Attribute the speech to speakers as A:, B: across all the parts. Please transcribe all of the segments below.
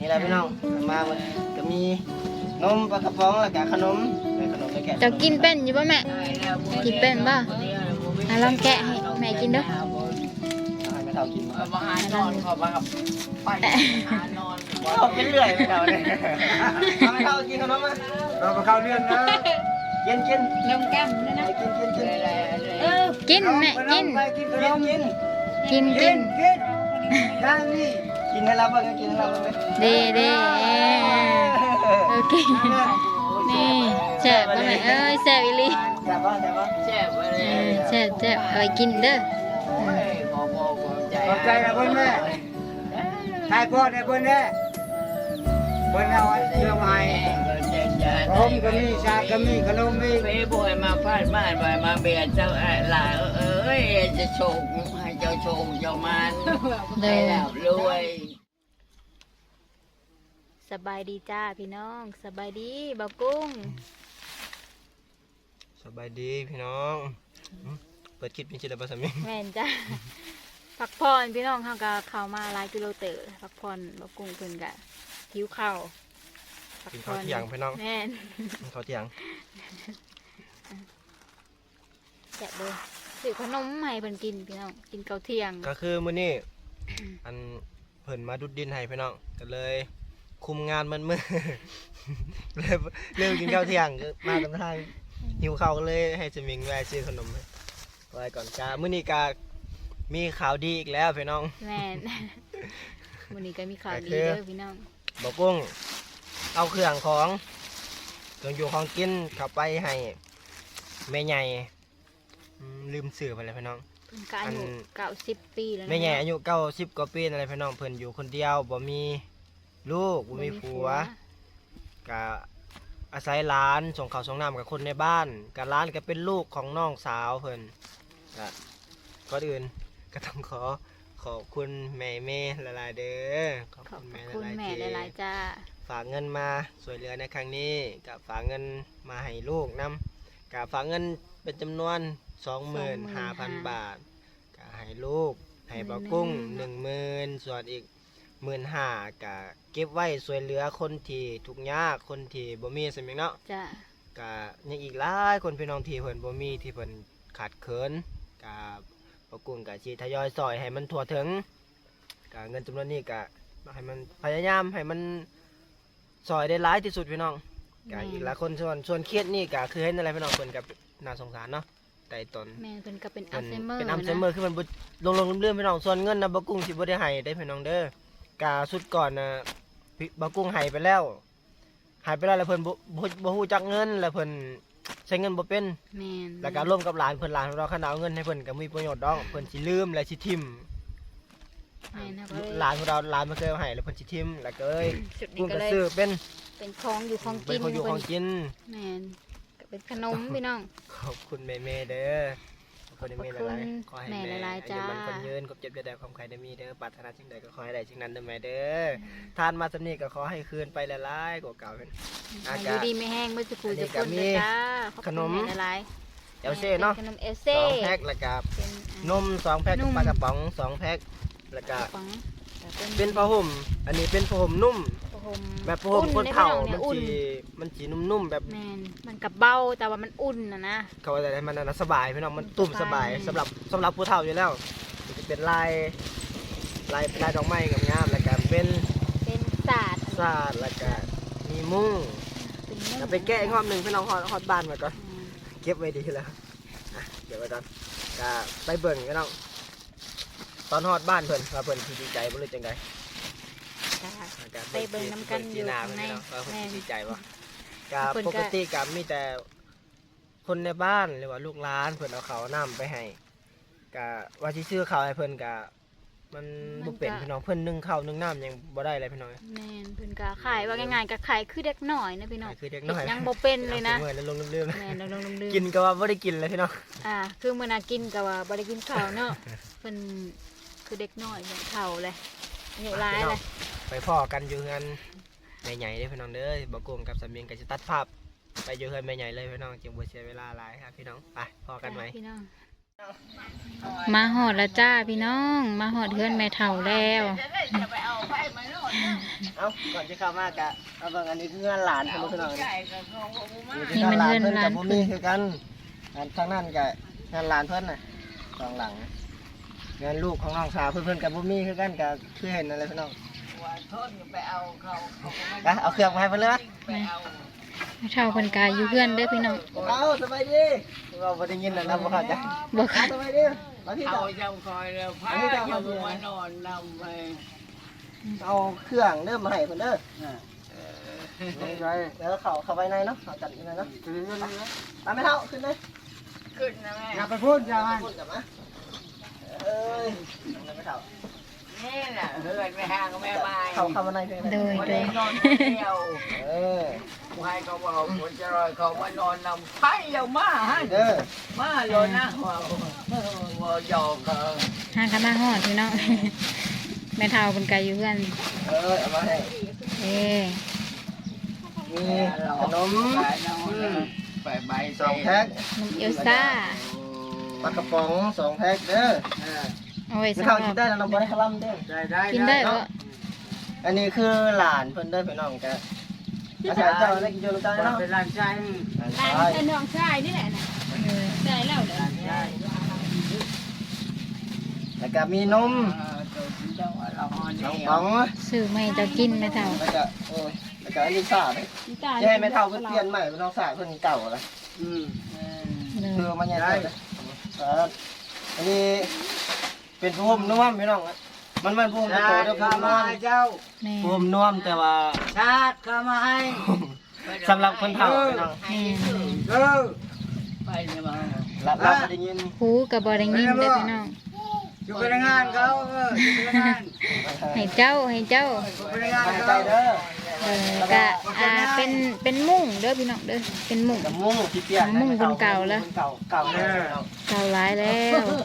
A: นี่แหละพี่น้องมาหมดก็มีนมปลากระป๋องแล้วก็ขนมแล้วแกะ
B: เจ้ากินเป็นอยู่ป่ะแม่กินเป็นป่ะลองแกะให้แม่กินด้วย
A: ให้ไม่เท่ากินมา
C: บางอันนอนขอมาไปนอน
A: เอาเป็นเรื่อยไม่เท่าเลยเอาไม่เท่ากินขนมมาเราไปเข้าเรื่องนะกิน
B: นมแก้มด้วยนะ
A: กิน
B: กินแม่กิน
A: กินขนมกิน
B: กิน
A: ย่างนี่กินให้เราบ้างกินให้เราบ้าง
B: เด้โอเคนี่แซ่บป่ะแม่เอ้ยแซ่บอีหลี
A: แซ่บป่ะ
C: แช่ไปเลย
B: แซ่บเอาไปกินเด้อ
C: ขอบใจ
A: นะเพื่อนแม่ทายพ่อได้เพื่อนแน่เพื่อนเอาเรื่องใหม่ผมก็มีชาก็มีขนมมี
C: เฟ่บอยมาพาดบ้านบอยมาเบียดเจ้าหลาเอ้ยจะโชคให้เจ้าโชคเจ้ามันได้แล้วรวย
B: สบายดีจ้าพี่น้องสบายดีบ่าวกุ้ง
A: สบายดีพี่น้องเปิดคลิปเป็นจิตประสมิง
B: แม่นจ้าพักผ่อนพี่น้องเขาก็เข้ามาหลายกิโลเตอร์พักผ่อนบ่าวกุ้งเพิ่นก็หิวข้าว
A: กินข้าวเที่ยงพี่น้อง
B: แม่น
A: กินข้าวเที่ยง
B: แกะเลยซื้อขนมใหม่เพิ่นกินพี่น้องกินข้าวเที่ยง
A: ก็คือมื้อนี้อันเพิ่นมาดุดดินให้พี่น้องก็เลยคุมงานมันมือ เลยเริ่มกินข้าวเที่ยงก็มาตามทางหิวข้าวก็เลยให้สมิงแวะซื้อขนมไว้ก่อนจ้ามื้อนี้ก็มีข่าวดีอีกแล้วพี่น้อง
B: แม่น วันนี้ก็มีข่าวดี
A: ก็คือ
B: เด้อพี่น้อง
A: บอกกุ้งเอาเครื่องของเครื่องอยู่ของกินเข้าไปให้แม่ใหญ่ลืมสื่อไปเลยพี่น้อง
B: เพิ่นก็อายุ90 ปีแล้วนะ
A: แม่ใหญ่อายุ90 กว่าปีอะไรพี่น้องเพิ่นอยู่คนเดียวบ่มีลูกบ่มีผัวก็อาศัยหลานส่งข้าวส่งน้ำกับคนในบ้านกับหลานก็เป็นลูกของน้องสาวเพิ่นก็ก่อนอื่นก็ต้องขอบคุณแม่หลายๆเด้อขอบ
B: ขอบ
A: คุณ
B: คุณ
A: แม่
B: แม่
A: หลายๆ
B: หลายๆจ้า
A: ฝากเงินมาช่วยเหลือในครั้งนี้กับฝากเงินมาให้ลูกนํกับฝากเงินเป็นจำนวน 25,000 บาทกับให้ลูกให้บ่าวกุ้ง 10,000ส่วนอีก 15,000กับเก็บไว้ช่วยเหลือคนที่ทุกข์ยากคนที่บ่มีสมิงเนาะ
B: จ้า
A: กับยังอีกหลายคนพี่น้องที่เพิ่นบ่มีที่เพิ่นขาดเขินกับบ่าวกุ้งกับสิทยอยซอยให้มันทั่วถึงกับเงินจำนวนนี้ก็ให้มันพยายามให้มันซอยได้หลายที่สุดพี่น้องกับอีกหลายคนส่วนเครียดนี่ก็คือเห็นอะไรพี่น้องเพิ่นก็น่าสงสารเนาะไต่ตน
B: แม่เพิ่นก็เป็นอั
A: เพิ่
B: ล
A: น
B: ไซเมอร์
A: เป็นอัลไซเมอร์คือมันบ่ลงเรื่อยๆพี่น้องส่วนเงินนะบ่กุ้งสิบ่ได้ให้ได้พี่น้องเด้อกาสุดก่อนนะบ่กุ้งให้ไปแล้วแล้วเพิ่นบ่ฮู้จักเงินแล้วเพิ่นใช้เงินบ่เป็น
B: แม่น
A: แล้วก็ร่วมกับหลานเพิ่นหลานของเราคันเอาเงินให้เพิ่นก็มีประโยชน์ดอกเพิ่นสิลืมและสิทิ่ม
B: แม่นครับ
A: หลานของเราหลานบ่เคยเอาให้แล้วเพิ่นสิทิ่มแล้วก็เอ้ย
B: สุดนี้
A: กุ้ง
B: ก็
A: ก็
B: เลย
A: ซื้อเป็น
B: เป็นของอยู่ของ
A: เป็
B: กิ
A: น
B: น
A: ของอยู่ของกิน
B: แม่นก็เป็นขนมพี่น้อง
A: ขอบคุณแม่ๆเด้อขอบคุณแม่หลายๆขอให้
B: แม่
A: แม่
B: หลายๆจ้า
A: อายุมันคนยืนครบเจ็บได้ความใครได้มีเด้อปรารถนาสิ่งใดก็ขอให้ได้สิ่งนั้นเด้อแม่เด้อทานมาสำนี้ก็ขอให้คืนไปหลายๆกว่าเก่าเป็น
B: อายุดีไม่แห้งเมื่อสักครู่
A: อันนี้
B: จะ
A: ก็
B: พูด
A: มี
B: เลยจ้าขอบ
A: ข
B: คุณ
A: นม
B: แม่หลาย
A: เอลเซ่เนาะ
B: ขนมเอล
A: ส
B: เซ่
A: องแพ็คแล้วก็
B: เป็น
A: นม2แพ็คกับ
B: นุ่ม
A: ปลากระป๋อง2แพ็คแล้วก็
B: ของ
A: เป็นผ้าห่มอันนี้เป็นผ้าห่มนุ่ม
B: ผ้าห่ม
A: แบบผ้าห่มคนเฒ่า
B: อุ่
A: มันสีนุ่มๆแบบ
B: แมนมันกับเบาแต่ว่ามันอุ่นนะ
A: เขาว่าอะไรมันน่ะสบายพี่น้องมันตุ่มสบายสำหรับผู้เฒ่าอยู่แล้วมันจะเป็นลายดอกไม้กับงามแล้วก็เป็น
B: เป็นศาสตร์
A: ซาดแล้วก็มีมุ้ง
B: เป็นนุ่ม
A: จะไปแก้อีกรอบหนึ่งพี่น้องฮอดบ้านไว้ก่อน
B: อืม
A: เก็บไว้ดีแล้วอ่ะเก็บไว้ก่อนก็ไปเบิ่งพี่น้องตอนฮอดบ้านเพิ่นว่าเพิ่นสิดีใจบ่หรือจังได
B: จ้า
A: ก็
B: ไปเบิ่งนำกันอยู่
A: หน้า
B: ข้าง
A: เพิ่น
B: ใน
A: เนาะว่าเพิ่น
B: แม่น
A: สิดีใจบ่ก็
B: เพิ่นก็
A: ปกติก็มีแต่คนในบ้านหรือว่าลูกหลานเพิ่นเอาข้าวน้ำไปให้ก็ว่าสิซื้อข้าวให้เพิ่นก็มันบ่เป็นพี่น้องเพิ่นนึ่งข้าวนึ่งน้ำยังบ่ได้เลยพี่น้อง
B: แม่นเพิ่นก็ขายว่าง่ายๆก็ขายคือเด็กน้อยนะพี่น้อง
A: คือเด็กน้อย
B: ยังบ่เป็นเลยนะ
A: เมื่อยแล้วลงลืม
B: แม่นลงๆลืม
A: ๆกินก็ว่าบ่ได้กินเลยพี่น้อง
B: คือมื้อน่ะกินก็ว่าบ่ได้กินข้าวเนาะเพิ่นคือเด็กน้อยเหมือนเฒ่าเลยอายุหลายเลย
A: ไปพ่อกันอยู่เฮือนแม่ใหญ่เด้อพี่น้องเด้อบ่โกงกับสามีก็สิตัดภาพไปอยู่เฮือนแม่ใหญ่เลยพี่น้องจึงบ่เสียเวลาหลายครับพี่น้องไปพ่อกันไหม
B: พี่น้องมาหอดแล้วจ้าพี่น้องมาหอดเพื่อนแม่เฒ่าแล้ว
A: เอาก่อนจะเข้ามากะเอาเบิ่งอันนี้คือเงินหลานของพี่น้อง
B: นี่มันเงินหลาน
A: เพิ่นกับบ่มีคือกันอันทางนั้นกะเงินหลานเพิ่นน่ะสองหลังเงินลูกของน้องสาวเพิ่นกับบ่มีคือกันกะคือเห็นอะไรพี่น้อง
C: ไปเอาเขา
A: กะเอาเครื่องมาให้เพิ่นเลยมั้ย
C: ไปเอา
B: แม่เฒ่าเพิ่นกายอยู่เพื่อนเด้อพี่น้อง
A: เอาสบายดีเราบ่ได้ยินน่ะนะบ่เข้าใจ
B: บ่ค่ะ
A: สบายดีมาที่
C: เอา
A: เจ้า
C: เจ้าคอยแล้วพาเจ้ามานอนนำไป
A: เอาเครื่องเริ่มมาให้เพิ่นเด้อแล้วเข้าไปในเนาะเอาจัดอยู่ในเนาะไปไม่เท่าขึ้นเลย
C: ขึ้นนะแม่
A: อย่าไปพูดอย่าพูดกลับมาเอ้ยไม่เท่า
C: นี่แหละเฮือนไม่ห่างก็แม่บาย
A: เข้ามาในเพิ่น
B: โดย
C: วัน
B: โด
C: นี้
B: ย
C: นอนคนเดียว
A: เออ
C: ผู้ให้เขาบอกคนจะรอยเขามานอนนำไผ่เรามาฮะ
A: เด้อ
C: มาโลนะว่าหยอกเขา
B: หากันมาหอดพี่น้อง แม่เฒ่าเพิ่นกายอยู่เพื่อน
A: เอามาให้
B: เอ้
A: มีขนม
C: ไปใบ
A: 2แพ็ค
B: นมเอลซ่า
A: ปลากระป๋อง2แพ็คเด้อ
B: เอาไว้
A: ไม่
B: สำห
A: เท่า
B: รั
A: กิ
B: บ
A: นได้แล้วน้องบ่ได้คลั่มเด้อ
B: กินได้บ่
A: อันนี้คือหลานเพิ่นเด้อพี่น้องจ้ะอาศัยเจ้าได้กินอยู่ลูกจ้าเนาะ
C: เป็นร้านชาย
A: หลาน
D: เป็นน้องชายนี่แหละนะ
B: เออ
D: ได้แล้วเด้อ
A: แล้วก็มีนมน้องป๋อง
B: ซื้อมาให้เจ้ากินแม่เฒ่า
A: แล้วก็โอ้ยแล้วก็อันนี้ซ่าเด้อ
D: นี่ตา
A: จะให้แม่เฒ่าเพิ่นเปลี่ยนใหม่เป็นน้องสาวเพิ่นเก่าแล้ว
B: เด้
A: คือ
B: อ
A: มันยังไงอันนี้เป็นผู้ห่มนุ่มพี่น้องมันผู้ห่มโตเด้อผู้ห่มนุ่ม
C: เจ้า
B: แม่
A: ผู้ห่มนุ่มแต่ว่า
C: ชาติเข้ามาให้
A: สำหรับคนเฒ่าพี่น้อง
B: แม่
C: เออไปเนี่ยมา
A: รับได้ยิน
B: หูก็บ่ได้ยินเด้อพี่น้อง
C: อยู่พนักงานเขาอยู่พนักงาน
B: ให้เจ้า
C: พนักงาน
A: ใจ
C: เขา
A: เด้อ
B: ก็เป็นมุ้งเด้อพี่น้องเด้อเป็นมุ้ง
A: กับมุ้งที่เปียกเก่าเด้อ
B: เก่าหลายแล้ว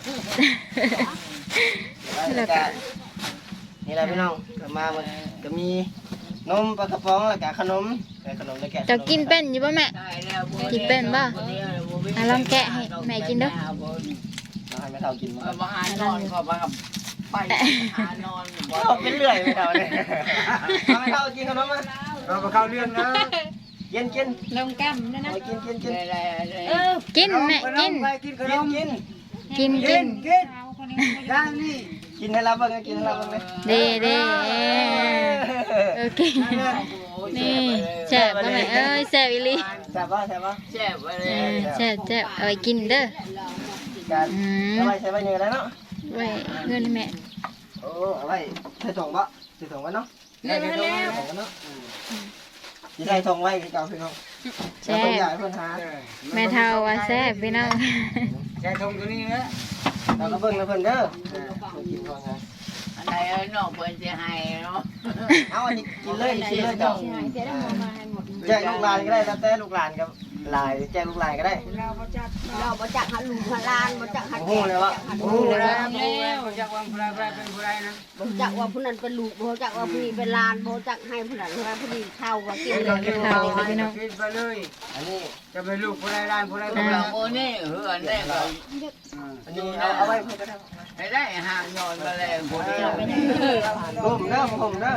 A: แล้วก็นี่แหละพี่น้องก็มาก็มีนมปลากระป๋องแล้วก็ขนมขนมแล้วแกะ
B: เจ้ากินเป็นอยู่ป่ะแม่ กินเป็นป่ะอ่ะลองแกะให้แม่กินเด้อ
A: ให้แม่เฒ่ากินมา
C: มาหานอนขอมาไปหานอน
A: เป็นเรื่อยแม่เฒ่าเนี่ยแม่เฒ่ากินขนมมา
C: เราไปเข้าเรื่องนะ
A: กิน
D: ลงกั้มนั่นนะ
A: กิน
B: กินแม่กิน
C: กินขนม
B: กิน
C: กินย่างนี่
A: กินให้เราเบิ่งกินให้เราเบิ่งเลย
B: เด้โอเคนี่แซ่บป่ะแม่เอ้ยแซ่บอีหลี
A: แซ่บป่ะ
C: แซ่บไปเล
B: เอย อแซ่บเอาไว้กินเด้อ
A: การเอาไว้ใช้ไว้เนี่ยแล้วเนาะ
B: ไว้เพื่อนให้แม่
A: โอ้เอาไว้ใส่ถุงบ่ใส่ถุงไว้เนาะใส่ถุงเนาะสิใส่ถุงไว้คือเก่าพี่น้อง
B: แซ่บ
A: ใหญ่เพิ่นหา
B: แม่เฒ่าว่าแซ่บพี่น้อง
C: ใช้ทงตัวนี้นะ
A: เราก็เบิ่งแล้วเพิ่นเด้อกินก่อนไง
C: อันไหนนอกเพิ่นจะให้เนาะ
A: เอาอันนี้กินเลยกินเลยเจ้า
D: เดี๋ยวเรามาให้หมด
A: แจ้งลูกหลานก็ได้แล้วแต่ลูกหลานกับหลายแจ้งลูกหลานก็ได้
D: เราบ่จักหันลูกหันลานบ่จักหัน
A: โอ้โหเลยวะโอ้โหเลย
C: แล้วจากวันพระเป็นผู้ใดนะ
D: บ่จักว่าผู้นั้นเป็นลูกบ่จักว่าผู้นี้เป็นหลานบ่จักให้ผู้นั้นว่าผู้นี้เข้าว่ากินเลย
C: กินไปเลย
A: อันนี้
C: จะเป็นลูกผู้ใดร้านผู้ใดก็เราโอ้นี่เฮือนได้ก็
A: อันนี้เอาไว้เพิ่นก็ได้
C: ให้ได้ห่างนอนมาแล้วผู้เดียว
A: ผมเด้อผมเด้อ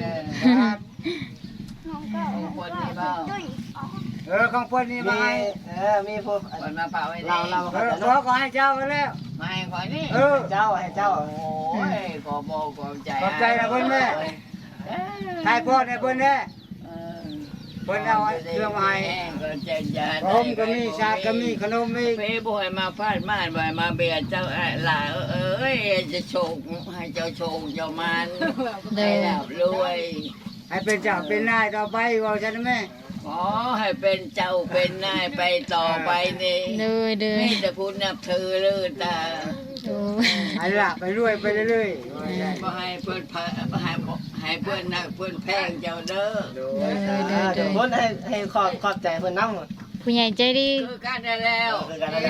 C: คนนี้เปล่าของคนนี้
A: มี
C: มาให้
A: มีพวก
C: คนมาเปล่าไว้
A: เรา
C: ขอให้เจ้ามาแล้วมาให้ขอนี่
A: เจ้าให้เจ้า
C: โอ้ยขอโมขอบใจ
E: ขอบใจนะเพิ่นแม่ ทายพ่อเนี่ยเพิ่นแน่เพิ่นเอาเครื่องมาให้ผมก็มีชาก็มีขนมมี
C: เพ่บ่อยมาพาดม่านบ่อยมาเบียดเจ้าหล่าเอ้ยจะโชคให้เจ้าโชคเจ้ามันให้หลับรวย
E: ให้เป็นเจ้าเป็นนายต่อไปว่าฉันนะแม่
C: ขอให้เป็นเจ้าเป็นนายไปต่อไปนี่
B: เด้อเด้อ
C: มีแต่คุณนับถือเลยตา
B: โอ้
E: ให้ละไปรวยไปเรื่อย
C: บ่ให้เพิ่นให้เพิ่นนักเพิ่นแพงเจ้าเด้อ
B: เด้อเด้อ
A: เดี๋
B: เด้
A: ยว
B: อ
A: พ้นให้ขอบใจเพิ่นน้ำ
B: ผู้ใหญ่ใจดี
C: คือกันได้แล้ว
A: คือกันแล้ว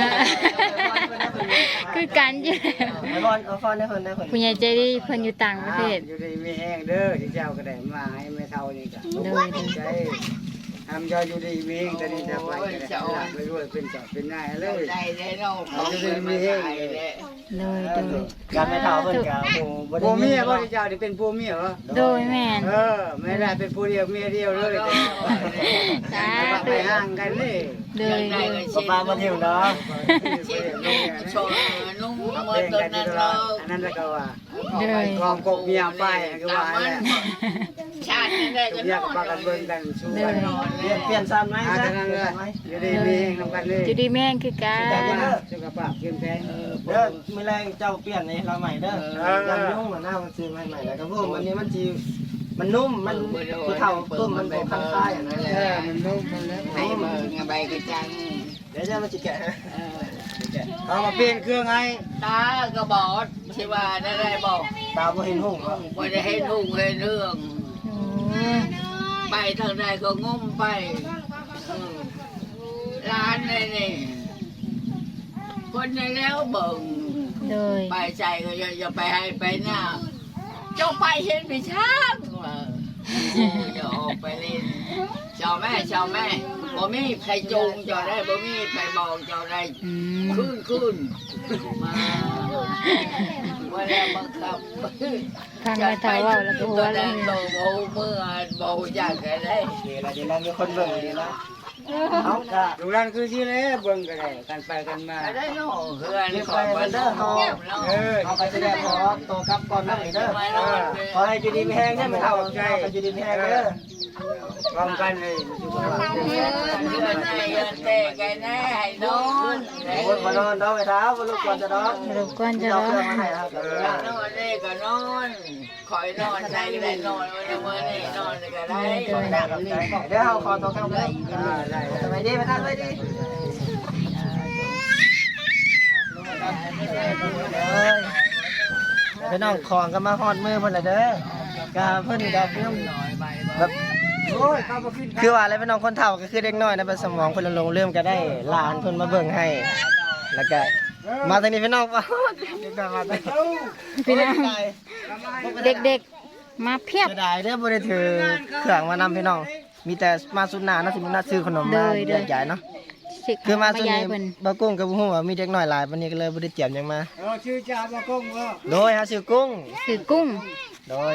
B: คือกันอยู่แล้ว
A: ไอ้บอลเอาฟอนให้เพิ่นได้เพิ่น
B: ผู้ใหญ่ใจดีเพิ่นอยู่ต่างประเทศ
E: อยู่ดีมีแห้งเด้อที่เจ้าก็ได้มาให้แม่เฒ่านี่ก็
B: เด้อเด้อ
E: ใจทำยอดอยู่ดีมีเองตอนนี้จะไปไปด้วยเป็นจับเป็นนายเลย
C: ได้ได้เนาะเขาเคยมาขายเลย
B: โดย
A: การไม่เท่าเพิ่นก็โอ้บ่ได้
E: ผัว
A: ยิ
E: เมี
A: น
E: ยบ่
A: บ่
E: ได้เจ้านี่เป็นผัวเมียเหรอ
B: โดยแม่น
E: ไม่ได้เป็นผู้เดียวเมียเดียวเลย
B: สา
E: ไป
B: ธุ
E: ห่างกันเลย
B: โดย
A: บ่ปาบ่เที่ยวเนาะ
C: ชิดนุ่งโชว์นุ่ง
E: มา
C: มา
E: เป็น
C: ตัว
E: กัน
C: นั้น
E: ตล
C: เรา
E: อดอันนั้นแล้วก็ว่า
B: โดย
E: กองกบเมียไปก็ว่าแหละ
C: ชาตินี้ได้
E: ทุ
C: กั
E: ก
C: น
E: อย่าง
C: เนาะ
E: ปากันเบิ่งกันสู้กัน
A: เปลี่ยนซ้ำไหม
E: อา
A: ซะ
E: จารย์เลยอยู่ดีมีเองนำกันเลย
B: จุดีแม่งคือกัน
E: สุขภาพเข้มแข็ง
A: เด้อมื้อแรงเจ้าเปลี่ยนนี่เราใหม่เด้อยังยุ่งหน้ามันซื้อใหม่ๆแล้วก็พวกอันนี้มันสิมันนุ่มมันผู้เฒ่าตุ้มมันบ่คันคายอันนั้นแหละ
E: มันนุ่มมันแล้ว
C: ให้เบิ่งใบกระจัง
A: เดี๋ยวจะมาสิแกะให้
E: เอามาเปลี่ยนเครื่องให้
C: ตาก็บอดใช่ว่าได้บอก
A: ตาบ่เห็นหุ่งเนาะ
C: ว่าจะให้นุ่งให้เรื่อง
B: โอ้
C: ไปทางใดก็งมไปร้านเลยนี่คนในแล้วเบิ่ง
B: โดย
C: ไปใจก็จะไปให้ไปหน้าเจ้าไปเห็นไปช้างว่าจะออกไปเล่นเจ้าแม่บ่มีใครจูงเจ้าได้บ่มีใครบอกเจ้าได้
B: อืม
C: ขึ้นมาว่าแล้วบังคับ
B: ทางไม่เท่าเว้าแล้วก็หัว
C: ตัว
B: แล้
C: นั้
B: วน
C: โตเบาเมื่อเบาอยากอะไร
A: เดี๋ยวเราจะนั่งมีคนเบิ่งนี่นะเอาก็
E: ลูกหลานคือที่เลยเบิ่งก็ได้กันไปกันมา
C: ได้เนาะเพื่อนขอไปเด้อเฮา
A: เอาไปแสดงขอตัวกลับก่อนนะเด้อขอให้อยู่ดีมีแห้งเนี่ยไม่เท่าใจอยู่ดีมีแห้งเด้อ
E: พร้อมกันเลยสุขภาพเข้มแข็ง
C: เพื่อนให้เงินเตะกันแน่ให้นอน
A: คนมานอนเนาะไปเท้าบ่ลูกก่อนจะนอน
B: สรุปก่อนจะ
A: เอา
B: ร้อ
A: เครื่องมาให้ครับ
C: นอนได้ก็นอนคอยนอนใจก็ได้นอนวันเมื่อนี่นอนก็ได้
A: เดี๋ยวเอาขอตัวกลับเลย
E: ได้
A: สบายดีไปทานไปดีไปน้องของก็มาฮอดมือเพิ่นละเด้อกาเพิ่นก็เพิ่นแบบ
E: โอ้ยเข้ามาขึ้น
A: คือว่าอะไรพี่น้องคนเฒ่าก็คือเด็กน้อยนะเป็นสมองเพิ่นลงเริ่มก็ได้หลานเพิ่นมาเบิ่งให้ แล้วก็มาทางนี้พี่น้องว่าเด็กน้อยมาทางนี้
B: พี่น้องเด็กๆมาเพียบ
A: เสียดายเด้อบ่ได้ถือเครื่องมานำพี่น้อง มีแต่มาสุดหน้าเนาะสิมีนัดซื้อขนมมาแยกย้ายเนาะ
B: สิ
A: คือมาสุด
B: ยาย
A: นี้
B: เพิ่น
A: บ่กุ้งกับบ่ฮู้ว่ามีเด็กน้อยหลายปานนี้ก็เลยบ่ได้เตรียมหยังมา
E: ชื่อจ่าบะกงว่า
A: โดยหาซื้อกุ้ง
B: คือกุ้ง
A: โดย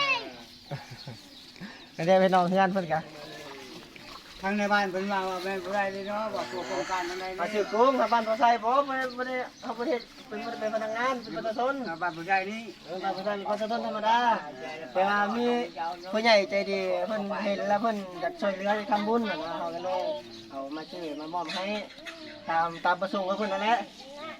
A: ไม่ได้พี่น้องเฮือนเพิ่นก็
E: ทางในบ้านเป็นมาว่าแม่บ่ได้เลยเนาะว่าตัวโครงการทางใด
A: มาซื้อกุ้งครับบ้านบ่ใส่บ่ได้เขาบ่ได้เป็นพนักงานเป็นประชาชน
E: บ้านบ่ได้นี่
A: บ้านบ่ใส่ประชาชนธรรมดาแต่ว่ามีผู้ใหญ่ใจดีเพิ่นเห็นแล้วเพิ่นอยากช่วยเหลือทำบุญน่ะนะเฮาก็เลยเอามาช่วยมามอบให้ตามประสงค์ของเพิ่นนั่นแหละ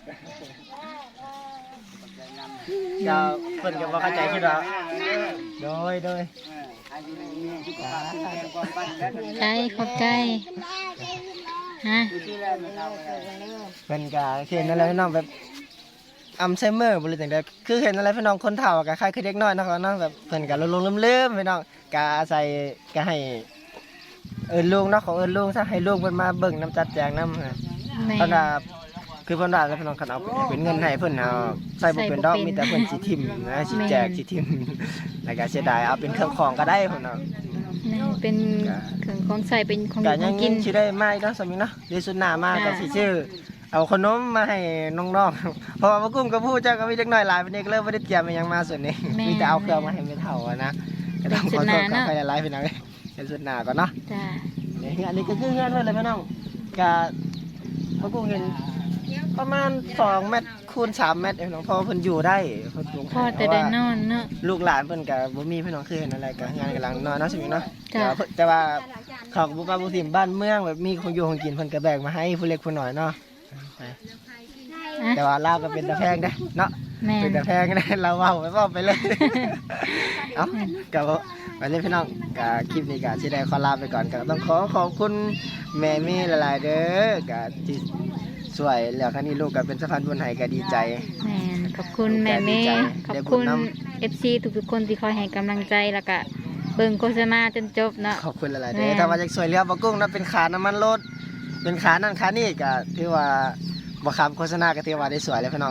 A: ก็เพิ่นก็บ่เข้าใจคือดอกโดย
E: อายุนี้สุขภาพเข้มแข็งก่อนบ้านแล้ว
B: ใจขอบใจฮะ
E: ที่แล้วมันเอา
A: เพิ่นก็เห็นอะไรพี่น้องแบบอัลไซเมอร์บ่รู้จังได๋คือเห็นอะไรพี่น้องคนเฒ่าก็คล้ายคือเด็กน้อยเนาะเนาะแบบเพิ่นก็ลงๆลืมๆพี่น้องก็อาศัยก็ให้เอิ้นลุงเนาะขอเอิ้นลุงซะให้ลุงเพิ่นมาเบิ่งน้ำจัดแจงนำ
B: แม่
A: เพิ่นว่าคือเพิ่นว่าแล้วพี่น้องคันเอาเป็นเงินให้เพิ่นเอาใส่บ่เป็นดอกมีแต่เพิ่นสิทิ่มนะสิแจกสิทิ่มแล้วก็เสียดายเอาเป็นเครื่องของก็ได้เพิ่นเนาะ
B: นี่เป็นเครื่องของใส่เป็นของ
A: ก็
B: ข
A: ยั
B: อง งกิน
A: สิได้มาอีกเนาะสมิงเนาะเดี๋ยวสุดหน้ามาก็สิชื่อเอาขนมมาให้น้องๆเพราะว่าบ่กุ้มกับผู้เจ้าก็มีเด็กน้อยหลายวันนี้ก็เลยบ่ได้เตรียมอิหยังมาส่วนนี้มีแต่เอาเครื่องมาให้แม่เฒ่าอะนะก็ต้องขอโทษกับใครหลายๆพี่น้องเดี๋ยวสุดหน้าก่อนเนาะ
B: จ้า
A: นี่อันนี้ก็คือเฮือนเพิ่นเลยพี่น้องก็บ่กุ้มเห็นประมาณ2เมตรคูณ3เมตรพี่น้องเพราะว่าเพิ่นอยู่ได้เพิ่นปลูก
B: พ่อแต่ได้นอนเนาะ
A: ลูกหลานเพิ่นก็บ่มีพี่น้องคือเห็นอะไรก็งานกำลังนอนเนาะสิมีเนาะ
B: จ้ะ
A: แต่ว่าเขาก็บ่ว่าบ่สิบ้านเมืองแบบมีของอยู่ของกินเพิ่นก็แบ่งมาให้ผู้เล็กผู้น้อยเนาะ
B: อ่ะ
A: แต่ว่าลาวก็เป็นตะแพงได้เนาะ
B: แม่
A: เป็น
B: น
A: ตะแพงได้เราเว้าไปเลย เอ้าก็ไปเลยพี่น้องก็คลิปนี้ก็สิได้ขอลาไปก่อนก็ต้องขอบคุณแม่มีหลายๆเด้อก็ที่สวยแล้วครั้งนี้ลูกก็เป็นสะพานบุญให้ก็ดีใจ
B: แม่นขอบคุณแม่เมย์ขอบคุณ FC ทุกๆคนที่คอยให้กำลังใจแล้วก็เบิ่งโฆษณาจนจบเนาะ
A: ขอบคุณหลายๆเด้
B: แม่
A: อถ้าว่าจะสวยเรือบ่กุ้งนะเป็นขาน้ำมันรถเป็นขานั่นขานี่ก็ถือว่าบ่คำโฆษณาก็ถือว่าได้สวยเลยพี่น้อง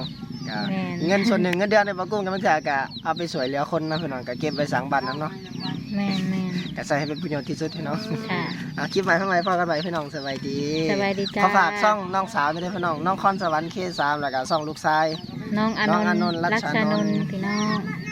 A: ก็
B: แม่น
A: เงินส่วนหนึ่งเงินเดือนในปะกุ้งก็มันจะก็เอาไปสวยเหลือคนนะพี่น้องก็เก็บไว้สังบัตรนํเนาะ
B: แม่นแม่น
A: ก็ใส่ให้เป็นประโยชน์ที่สุดพี่น้อง
B: ค่ะ
A: คลิปใหม่ข้างในพอกันใหม่พี่น้องสบายดี
B: สบายดีจ้า
A: ขอฝากช่องน้องสาวด้วยพี่น้องน้องคอนสวรรค์ K3 แล้วก็ช่องลูกชาย
B: น้องอาน
A: น้องอาน
B: น
A: นท์
B: ท์
A: รัช
B: รัช
A: ชานนท์
B: นนท์พี่น้อง